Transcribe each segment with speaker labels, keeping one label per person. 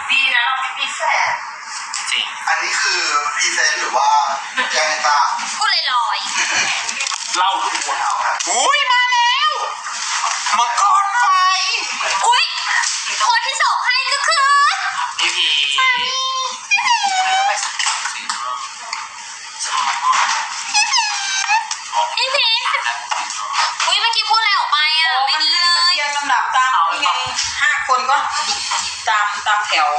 Speaker 1: ดีนะเราไม่มีแฟน
Speaker 2: จริง
Speaker 3: อันนี้คือพรีเซนต์หรือว่ายังไงตา
Speaker 4: พูดลอย
Speaker 2: เล่าทุกคน
Speaker 3: อุ้ยมาแล้วมังกรไฟ
Speaker 4: ๆอุ้ยคนที่ส่งให้ก็คือ
Speaker 2: พี่พี
Speaker 4: พี่พีอุ้ยเมื่อกี้พูดอะไรออกไปอ่ะไม่ดีเลย
Speaker 1: เรียงลำดับตามนี่ไง5 คนก็หยิบตามแถว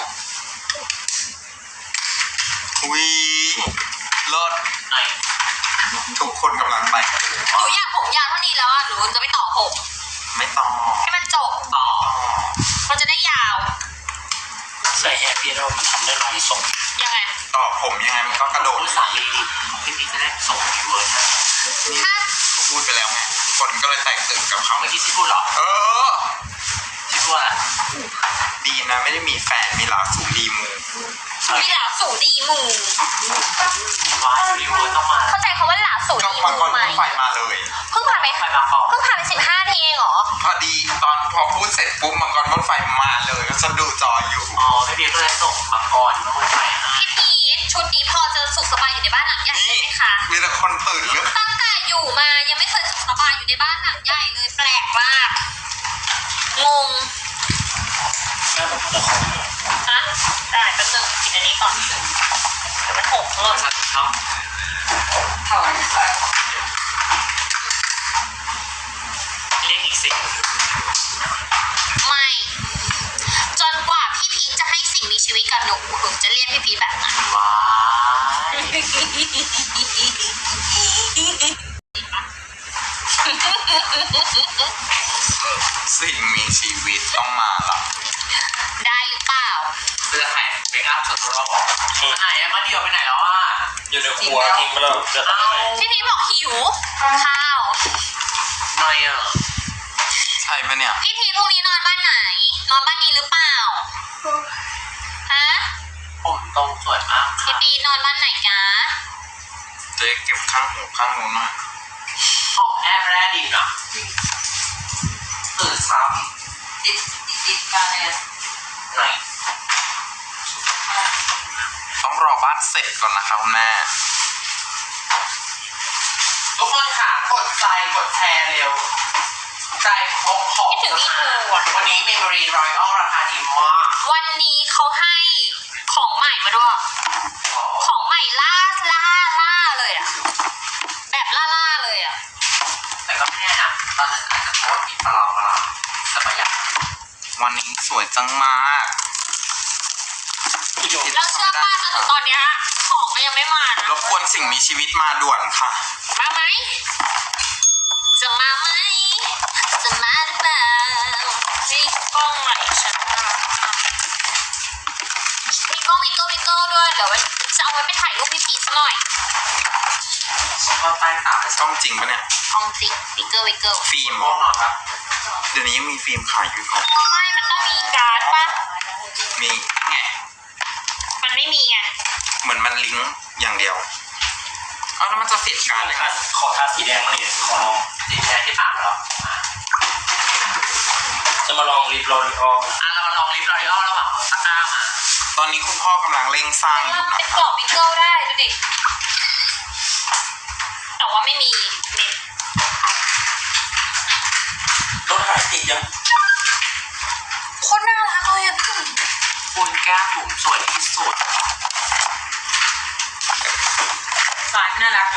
Speaker 3: อุ้ยเลิศทุกคนกำลังไป
Speaker 4: หนูอยากผมยาวเท่านี้แล้วอ่ะหนูจะไม่ต่อผม
Speaker 3: ไม่ต้อง
Speaker 4: ให้มันจบต่อมันจะได้ยาว
Speaker 2: ใส่แฮปปี้เรามันทำได้หลายทรง
Speaker 4: ยังไง
Speaker 3: ต่อผมยังไงมันก็กระโดด
Speaker 2: สามีดิพี่พีจะได้ส่งอีเวิร์ดนะ
Speaker 4: ถ้า
Speaker 3: เขาพูดไปแล้วไงคนก็เลยแตกตื่นกับเขา
Speaker 2: เมื่อกี้ที่พูดหรอ ที่พูดอะไร
Speaker 3: ดีนะไม่ได้มีแฟนมีหลาสูดีมู
Speaker 4: มีหลาสูดีหมู่
Speaker 2: ว่าอีเวิร์ดต้องมา
Speaker 4: เข้าใจคำว่าหลาสู
Speaker 3: ก็
Speaker 4: ดีห
Speaker 3: มังก
Speaker 4: มู่
Speaker 3: ร
Speaker 4: ไหม
Speaker 3: ไฟมาเลย
Speaker 4: เพิ่งผ่านไป
Speaker 2: ไปมาก่อน
Speaker 4: เพิ่งผ่านไป15 ทีเองเหรอ
Speaker 3: พอดีตอนพอพูดเสร็จปุ๊บมังกรพ่นไฟมาเลยก็ฉันดูจออยู่
Speaker 2: อ๋อพี่พีก็เลยส่งมาก่อนมาไปให้
Speaker 4: พี่พีชชุดนี้พอจะสุขสบายอยู่ในบ้านหลังใหญ่ใช่ไหมคะ
Speaker 3: มีแต่คนตื่นหรือ
Speaker 4: ตั้งแต่อยู่มายังไม่เคยสุขสบายอยู่ในบ้านหลังใหญ่เลยแปลกมากงง
Speaker 2: แม่ผมจะขอ
Speaker 4: ฮะได้แป๊บนึงกินอันนี้ก่อนเดี๋ยวมันหกหล่น
Speaker 2: ครับ
Speaker 1: เท่าไหร่
Speaker 2: เรียกอีกสิ
Speaker 4: ไม่จนกว่าพี่พีชจะให้สิ่งมีชีวิตกับหนูถึงจะเรียกพี่พีชแบบนั้น
Speaker 2: ว้า
Speaker 3: สิ่งมีชีวิตต้องมาละ
Speaker 4: ได้หรือเปล่า
Speaker 2: เสื้อหายเมคอัพชุดรอบไหนอะมาเดี่ยวไปไหนแล้วอ่ะอยู่ในครัวทิ้งไปแล้วจะเอา
Speaker 4: พี่พีชบอกหิวข้าว
Speaker 2: ไม่อ่ะ
Speaker 3: ใช่ปะเนี่ย
Speaker 4: พี่พีชพรุ่งนี้นอนบ้านไหน นอนบ้านนี้หรือเปล่าฮะ
Speaker 2: ผมตรงสวยมาก
Speaker 4: พี่พีชนอนบ้านไหนจ๊ะ
Speaker 3: เจ๊เก็บข้างหูข้างนู้นหน่อย
Speaker 2: ห้องแอร์แรกดีนะตื่นเช้า
Speaker 1: ติดกันเลย
Speaker 2: ไหน
Speaker 3: ต้องรอบ้านเสร็จก่อนนะคะคุณแม่
Speaker 2: ทุกคนค่ะกดใจกดแชร์เร็วใจพกของวันนี้เมมโมรี่รอยัลราคาดีมาก
Speaker 4: วันนี้เขาให้ของใหม่มาด้วย ของใหม่ล่าเลยอะแบบล่าเลยอะ
Speaker 2: แต่ก็ไม่แน่นะตอนนั้นอาจจะโพสต์ผิดปลาแต่ไม่อยาก
Speaker 3: วันนี้สวยจังมาก
Speaker 4: แล้วเชื่อป้าจนถึงตอนเนี้ยของก็ยังไม่มานะ
Speaker 3: รบกวนสิ่งมีชีวิตมาด่วนค่ะ
Speaker 4: มาไหมจะมาไหมจะมาหรือเปล่าให้กล้องไหนฉันมีกล้องวิโก้ด้วยเดี๋ยวจะเอาไว้ไปถ่ายรูปพี่พีชหน่อย
Speaker 2: ฉันก็ใต้ตาไป
Speaker 3: ต้องจริงปะเนี่ย
Speaker 4: กล้องสิวิโก้
Speaker 3: ฟิล์ม
Speaker 2: ง่วงนอนปะ
Speaker 3: เดี๋ยวนี้ยังมีฟิล์มขายอยู่ครับ
Speaker 4: ไม่มันต้องมีการ์ดป่ะ
Speaker 3: มีไง
Speaker 4: มันไม่มีไง
Speaker 3: เหมือนมันลิงก์อย่างเดียวเอาแล้วมันจะเสียการเลยค่ะ
Speaker 2: ขอทาสีแดงมาหน่อยขอลองสีแดงที่ปากเหรอจะมาลองลิปลอรีออลเรามาลองลิปลอรีออลระหว่างตะกร้ามา
Speaker 3: ตอนนี้คุณพ่อกำลังเร่งสร้างอยู่นะ
Speaker 4: เป็น
Speaker 3: ค
Speaker 4: กร
Speaker 3: รั
Speaker 4: อบบ วิโก้ได้ดูดิแต่ว่าไม่มีเน็ต
Speaker 2: รถหายติดยัง
Speaker 4: โคตรน่ารักเลยอ่ะพี่
Speaker 2: คุณแก้มบุ๋มสวยที่สุด
Speaker 1: สายไม่น่ารัก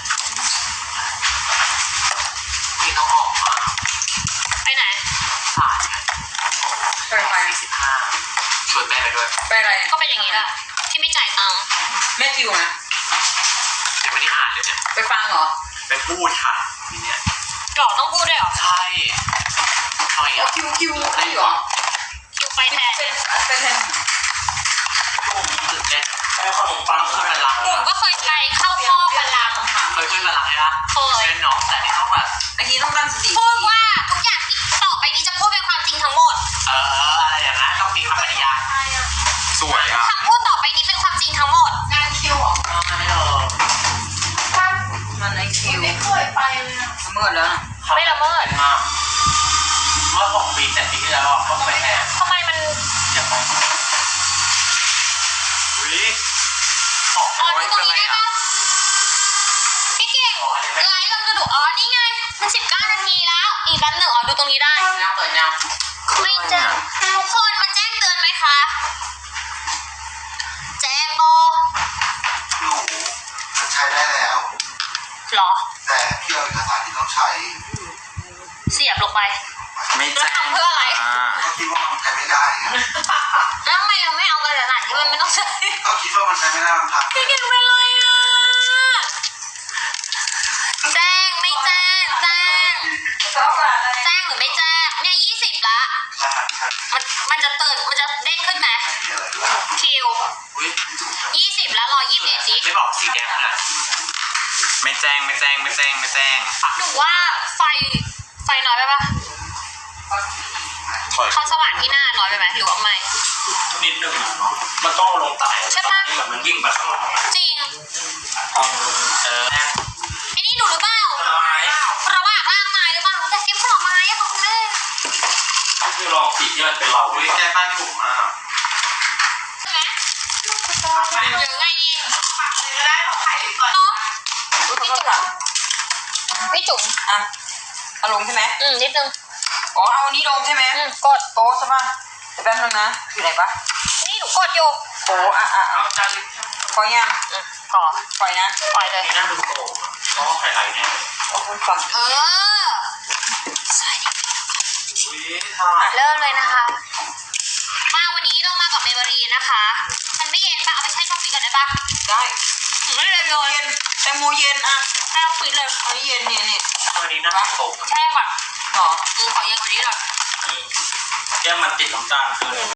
Speaker 2: มีน้องออกมา
Speaker 4: ไปไหน
Speaker 2: สายไง
Speaker 1: ไปไป
Speaker 2: 45ชวนแม่ไปด้วย
Speaker 1: ไปอะไร
Speaker 4: ก็เป็นอย่างนี้แหละที่ไม่จ่ายตังค์
Speaker 1: แม่คิวนะ
Speaker 2: ยังไม่ได้อ่านเลยเนี่ย
Speaker 1: ไปฟังเหรอ
Speaker 2: ไปพูดค่ะทีเนี้ย
Speaker 4: หรอต้องพูดด้วยเหรอ
Speaker 2: ใช่หน่อย
Speaker 1: โอ้
Speaker 2: อ่ะ
Speaker 1: คิวได้เหรอ
Speaker 4: คิวไปแทน
Speaker 1: เป็นแทน
Speaker 2: ผมตื่นเต้นแม่ขนมปังขึ้นมาลัง
Speaker 4: ผมก็เคยไปเข้าพ่อพลัง
Speaker 2: เคยขึ้นมาลังไหมล่ะ
Speaker 4: เคย
Speaker 2: เล่นเนาะแต่นี่ต้องแบบ
Speaker 1: อันนี้ต้องตั้งสติ
Speaker 4: พูดว่าทุกอย่างที่ต่อไปนี้จะพูดเป็นความจริงทั้งหมด
Speaker 2: อะไรอย่างนั้นต้องมีคำปฏิญาณ
Speaker 3: สวยอ่ะ
Speaker 4: คำพูดต่อไปนี้เป็นความจริงทั้งหมด
Speaker 1: งานคิวเหรอ
Speaker 2: ไม่เลย
Speaker 1: มันในคิว
Speaker 5: ไม่เคยไปเลยอะ
Speaker 1: เมื่อแล้วนะ
Speaker 4: ไม่ละเมิด
Speaker 2: มากเมื่อ6 ปี 7 ปีที่แล้วก็ไปแทน
Speaker 4: ทำไมมัน
Speaker 2: อย่าไป
Speaker 3: คิดว่ามันใช้ไม่ได้มันพัง
Speaker 4: พี่เก่งเป็นไรอ่ะแจ้งไม่แจ้งแจ้ง
Speaker 1: ก็เอาอะไร
Speaker 4: แจ้งหรือไม่แจ้งเนี่ย20ละ
Speaker 3: รหัสครับ
Speaker 4: มันจะตื่นมันจะเด้งขึ้นไหม
Speaker 3: มีอะไรบ้าง
Speaker 4: คิว
Speaker 3: อุ้ย
Speaker 4: 20แล้ว121ดิ
Speaker 2: ไม่บอกสีแดงนะ
Speaker 3: ไม่แจ้ง
Speaker 4: หนูว่าไฟน้อยไปปะ
Speaker 3: ถอย
Speaker 4: เขาสว่างที่หน้าน้อยไปไหมหรือว่าไม่
Speaker 2: นิดหนึ่งมันต้องลงตาย
Speaker 4: ใช่ปะ
Speaker 2: นี่แบบมันยิ่งไปข้างหลัง
Speaker 4: จริง
Speaker 2: แม่
Speaker 4: ไอ้นี่หนูหรือเปล่า
Speaker 2: ผลไม้
Speaker 4: ผลไม้ล่างไม้หรือเปล่าแต่เก็บผลไม้อะค่ะคุณแม่
Speaker 2: ก็คือลองสีที่มันเป็นเรา
Speaker 3: อุ้ยแก้บ้านถูกมาก
Speaker 4: ใช่ไหมหรือไงดี
Speaker 1: ก็ได้เราถ่ายลิปก่อน
Speaker 4: เนาะ
Speaker 1: อุ้ยเขาก็ถาม
Speaker 4: พี่จุ๋ม
Speaker 1: อ่ะเอาลงใช่ไหม
Speaker 4: นิดนึง
Speaker 1: อ๋อเอาอันนี้ลงใช่ไหม
Speaker 4: กด
Speaker 1: โต๊ะใช่ป่ะเดี๋ยวแป๊บนึงนะอยู่ไหนปะ
Speaker 4: นี่หนูกดอยู่
Speaker 1: โอ้อ่ะ
Speaker 2: เอาจานลิป
Speaker 1: ปล่อยยัง
Speaker 4: พอ
Speaker 1: ปล่อยนะ
Speaker 4: ปล่อยเลย
Speaker 2: นี่น่าดูโตเพราะไข่ไหลเนี่ย
Speaker 1: โอ้คุณฟัง
Speaker 4: เออ
Speaker 3: อุ้ยทา
Speaker 4: เริ่มเลยนะคะ มาวันนี้เรามากับเมเบอรีนะคะ มันไม่เย็นปะเอาไปแช่ช่องฟรีก่อนได้ปะ
Speaker 1: ได้
Speaker 4: หนูไม่เลยโยน
Speaker 1: เย็นแตงโมเย็นอ่ะ
Speaker 4: แช่ช่องฟรีเลย
Speaker 1: อันนี้เย็นเนี่ยนี่
Speaker 2: วันนี้น่าดูโต
Speaker 4: แช่ก่อน
Speaker 1: หรอ
Speaker 4: ขอเย็นกว่านี้หน่อย
Speaker 2: แก้มมันติดน้ำตาลคือ